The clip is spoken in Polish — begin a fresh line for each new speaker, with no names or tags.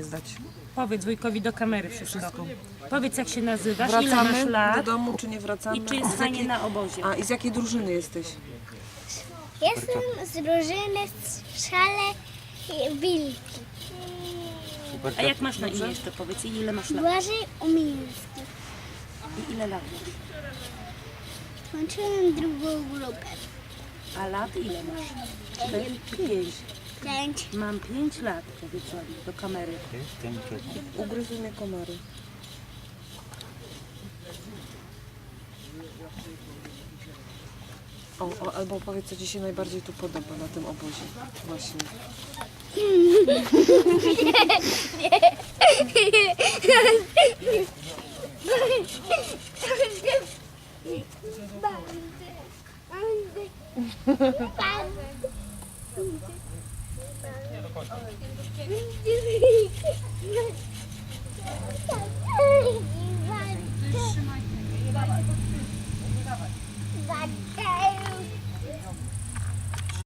zdać.
Powiedz wujkowi do kamery wszystko. Powiedz, jak się nazywasz, ile masz
Wracamy do
lat
domu, czy nie wracamy?
i czy jest
Z
fajnie
jakiej-
na obozie.
A i z jakiej drużyny jesteś?
Jestem z drużyny Szale Wilki.
A jak masz na imię jeszcze powiedz i ile masz lat?
Błażej Umiński.
I ile lat masz?
Skończyłem drugą grupę.
A lat ile masz? 4 czy 5?
5.
Mam 5 lat, powiedziałam do kamery.
Ugryzły mnie komary. Albo powiedz, co Ci się najbardziej tu podoba na tym obozie. Właśnie.